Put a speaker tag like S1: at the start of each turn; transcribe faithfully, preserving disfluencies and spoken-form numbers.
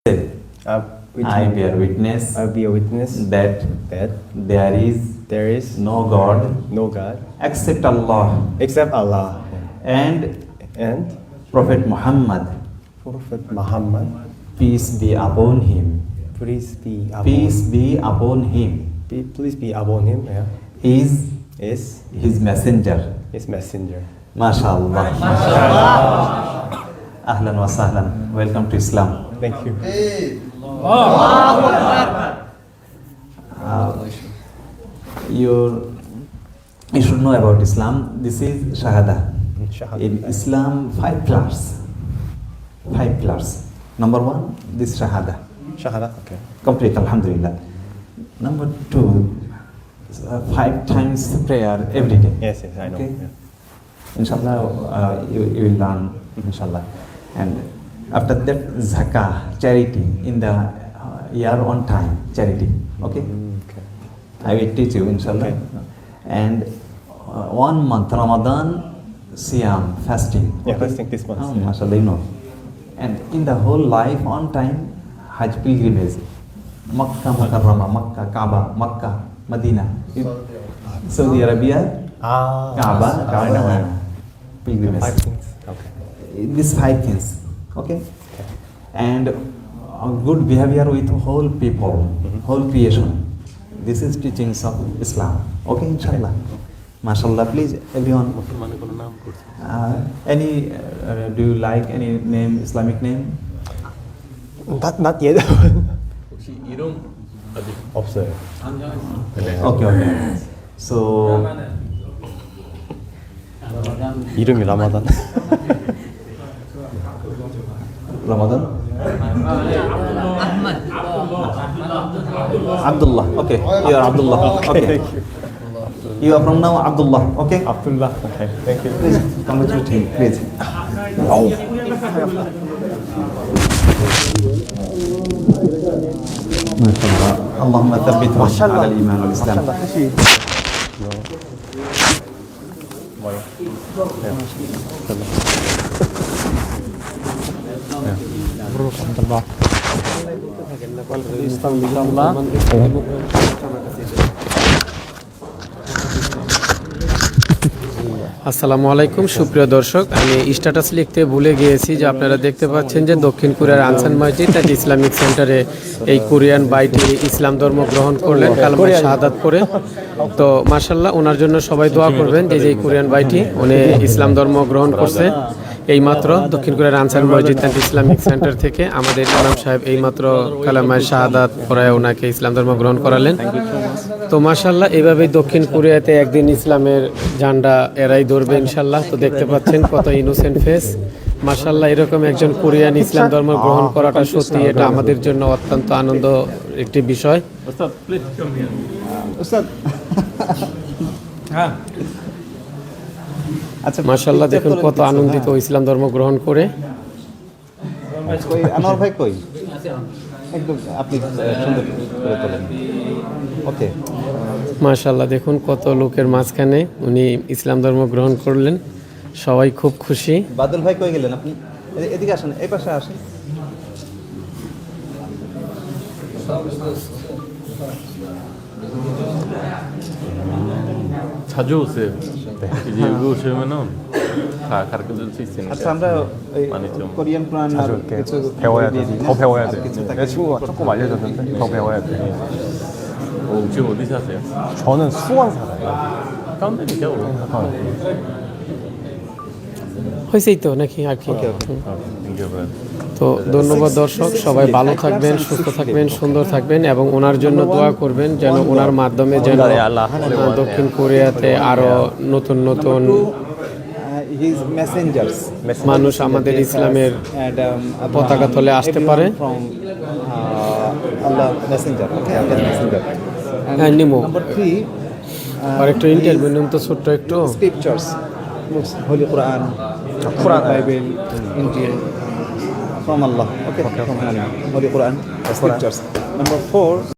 S1: Say,
S2: I,
S1: I bear witness
S2: I be a witness
S1: that
S2: that
S1: there is
S2: there is
S1: no God
S2: no God
S1: except Allah
S2: except Allah
S1: and
S2: and
S1: Prophet Muhammad,
S2: Prophet Muhammad,
S1: peace be upon him,
S2: peace be upon,
S1: peace be upon him,
S2: be, please be upon him, yeah,
S1: is
S2: is
S1: his messenger.
S2: his messenger.
S1: MashaAllah. Ahlan wa sahlan. Welcome to Islam.
S2: Thank you.
S1: Uh, you you should know about Islam. This is Shahada.
S2: Shahada.
S1: In Islam, five pillars. Five pillars. Number one, this Shahada.
S2: Shahada, okay.
S1: Complete, Alhamdulillah. Number two, uh, five times prayer every day.
S2: Yes, yes, I know.
S1: Okay.
S2: Yeah.
S1: Inshallah, uh, you, you will learn, inshallah. And after that, zakah, charity, in the uh, year on time, charity. Okay?
S2: Mm, okay.
S1: I will teach you, inshallah.
S2: Okay.
S1: And uh, one month, Ramadan, Siyam, fasting.
S2: Yeah, fasting this month.
S1: Oh,
S2: Yeah.
S1: mashallah, you know. And in the whole life, on time, Hajj pilgrimage. Makkah, Mukarramah, Makkah, Kaaba, Makkah, Medina. Saudi Arabia,
S2: Ah,
S1: Kaaba,
S2: I know, I know.
S1: Kaaba, pilgrimage.
S2: Five things. Okay.
S1: These five things, okay? And uh, good behavior with whole people,
S2: Mhm.
S1: whole creation. This is teachings of Islam. Okay, inshallah. MashaAllah, please, everyone. Uh, any, uh, do you like any name, Islamic name?
S2: Not, not yet.
S3: 혹시 이름 어디?
S2: 없어요.
S1: Okay, okay. So,
S2: 이름이 라마단.
S1: Ramadan? Abdullah. Okay, you are Abdullah. Okay. You are from now Abdullah. Okay.
S2: Abdullah. Okay, thank you.
S1: Please congratulate him, please. Oh. MashaAllah. Allahumma thabbithu ala al-iman wal-islam.
S2: 뭐요?
S4: আসসালামু আলাইকুম সুপ্রিয় দর্শক, আমি status লিখতে ভুলে গিয়েছি যে আপনারা দেখতে পাচ্ছেন যে দক্ষিণ কোরিয়ার আনসান মসজিদ অ্যান্ড ইসলামিক সেন্টারে এই কোরিয়ান বাইটি ইসলাম ধর্ম গ্রহণ করলেন কালমা শাহাদাত করে। তো মাশাআল্লাহ, ওনার জন্য সবাই দোয়া করবেন যে যে কোরিয়ান বাইটি উনি ইসলাম ধর্ম গ্রহণ করছে। এইমাত্র দক্ষিণ কোরিয়ার আনসার মসজিদ অ্যান্ড ইসলামিক সেন্টার থেকে আমাদের ইমাম সাহেব এইমাত্র কালামায় শাহাদাত পড়ায় ওনাকে ইসলাম ধর্ম গ্রহণ করালেন। তো মাশাআল্লাহ, এইভাবেই দক্ষিণ কোরিয়াতে একদিন ইসলামের ঝান্ডা এরাই ধরবে ইনশাআল্লাহ। তো দেখতে পাচ্ছেন কত ইনোসেন্ট ফেস। মাশাআল্লাহ, এরকম একজন কোরিয়ান ইসলাম ধর্ম গ্রহণ করাটা সত্যি এটা আমাদের জন্য অত্যন্ত আনন্দ একটি বিষয়।
S3: Ustaz, please come here.
S1: Ustaz.
S3: হ্যাঁ।
S1: আচ্ছা,
S4: মাশাআল্লাহ, দেখুন কত আনন্দিত ইসলাম ধর্ম গ্রহণ করে।
S1: কই আনোয়ার ভাই কই? একদম আপনি সুন্দর করে তোলেন। ওকে।
S4: মাশাআল্লাহ, দেখুন কত লোকের মাঝখানে উনি ইসলাম ধর্ম গ্রহণ করলেন, সবাই খুব খুশি।
S1: বাদল ভাই কই গেলেন আপনি? এ- এদিকে আসেন, এই পাশে আসেন।
S3: 자주 오세요. 이제 여기 오시면은 다 가르쳐 줄 수 있으니까.
S1: আচ্ছা, আমরা এই
S3: 많이 좀
S1: কোরিয়ান কোরআন আর
S2: 자주 이렇게
S1: কিছু
S2: 배워야 돼.
S1: দিয়ে দিই না?
S2: 더 배워야
S1: আর
S2: 돼.
S1: কিছু
S2: 내
S1: থাকে।
S2: 친구가 조금 알려줬는데 더 배워야 돼.
S3: 어, 지금 어디 사세요?
S2: 저는 수원 살아요.
S3: 가운데니까.
S2: 어.
S4: হয়েছেই তো নাকি আর কি?
S3: 땡겨봐요.
S4: তো ধন্যবাদ দর্শক, সবাই ভালো থাকবেন, সুস্থ থাকবেন, সুন্দর থাকবেন এবং ওনার জন্য দোয়া করবেন যেন ওনার মাধ্যমে যেন আহ, দক্ষিণ কোরিয়াতে আরো নতুন নতুন
S1: His messengers
S4: মানুষ আমাদের ইসলামের
S1: and um,
S4: পতাকা তলে আসতে পারে।
S1: from uh, Allah messenger. Okay, Allah messenger. And
S4: হ্যাঁ, নিমো।
S1: number three,
S4: আর একটু ইন্টারভিউ নিম তো ছোট্ট একটু।
S1: scriptures, books, Holy Quran, Quran, Bible, Injil, from Allah. Okay, from Allah. Holy Quran, scriptures. Number four.